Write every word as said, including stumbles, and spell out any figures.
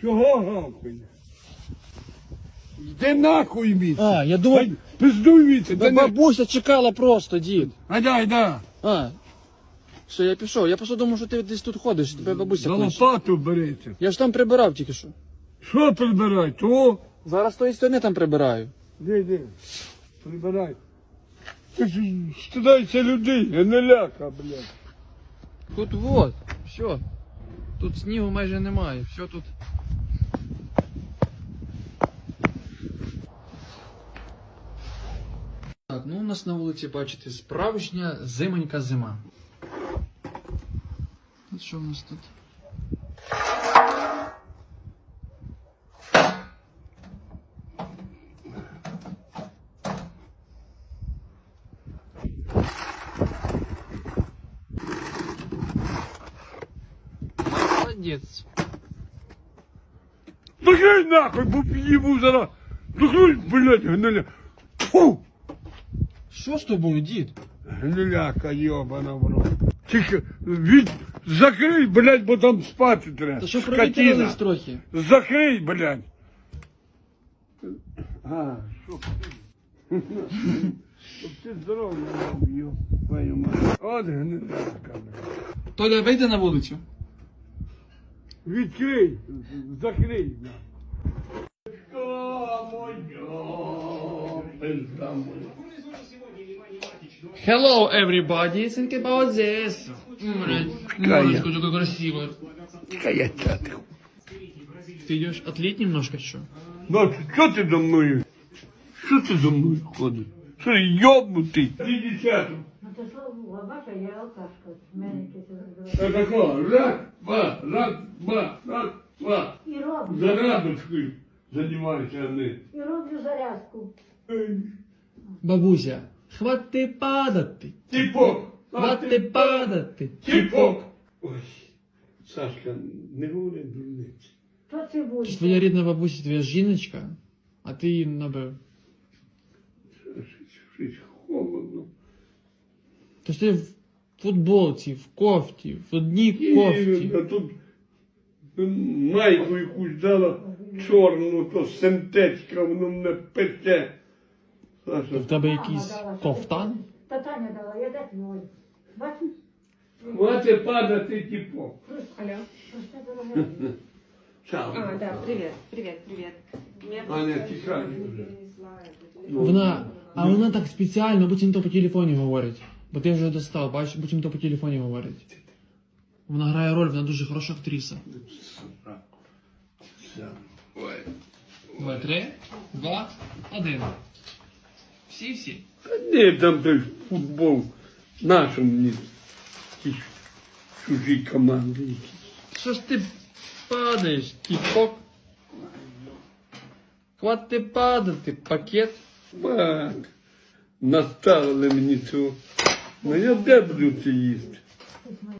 Чого гавкає? Йди нахуй віце. А, я думав, Пиздуй віце. ба- бабуся чекала просто, дід. Айда, айда. А, все, я пішов. Я просто думав, що ти десь тут ходиш, тебе бабуся За кличе. лопату береться. Я ж там прибирав тільки що. Що прибирай? То? Зараз з тої сторони там прибираю. Де, де? Прибирай. Ти ж стидайся людей, а не ляка, блядь. Тут вот, все. Тут снігу майже немає, все тут. Так, ну у нас на вулиці, бачите, справжня зимонька зима. От що в нас тут? Молодець. Закрий нахуй, бо їбу зараз. Закрий, блядь, гниля. Фу! Що з тобою, дід? Гниляка, йобана в рот. Тільки від... Закрий, блядь, бо там спати треба. Та що Скотина. провітрились трохи? Закрий, блядь. А, що ти? Щоб ти здоров'я мав, йоб, твою мать. От гниляка, блядь. Толя, вийди на вулицю. Відкрий, закрий. О, моя, пизда моя. Hello, everybody. Think about this. Мамочка, такой красивый. Какая тятка. Ты идешь отлить немножко, что? Ну, що ти за мною? Що ти за мною ходиш? Що йобнутий? Іди десятку. Ну то що, бача, я алкашка, з мене якесь Та тако, раз, два, раз, два, раз, два. І роблю, Зарядочкою займайся, а не. і роблю зарядку. Бабуся, хвати падати. Тіпок. Хвати падати. Тіпок. Ой, Сашка, не говори дурниці. Що це буде? Це твоя рідна бабуся, твоя жіночка, а ти її набив. Щось холодно. То ти в футболці, в кофті, в одній кофті. А тут майку якусь дала чорну, то синтетика, воно мене пече. То Саша, в тебе якийсь кофтан? Та Таня дала, я де твой. Бачиш? хватить падати тіпок. Алло. Просто дорога. Чао. А, да, привет, привет, привет. Меня Аня, просто тихай не вже. перенесла это. Вона, а вона так спеціально, буцімто по телефоні говорить. Бо ти вже достав, бачиш, буцімто по телефоні говорить. Вона грає роль, вона дуже хороша актриса. Ой. Два, три, два, один. Всі-всі. Та ні, там той футбол. Нашу мені ті чужі команди якісь. Що ж ти падаєш, тіпок? Хвати падати, пакет. Бак. Наставили мені цього. Ну я де буду це їсти?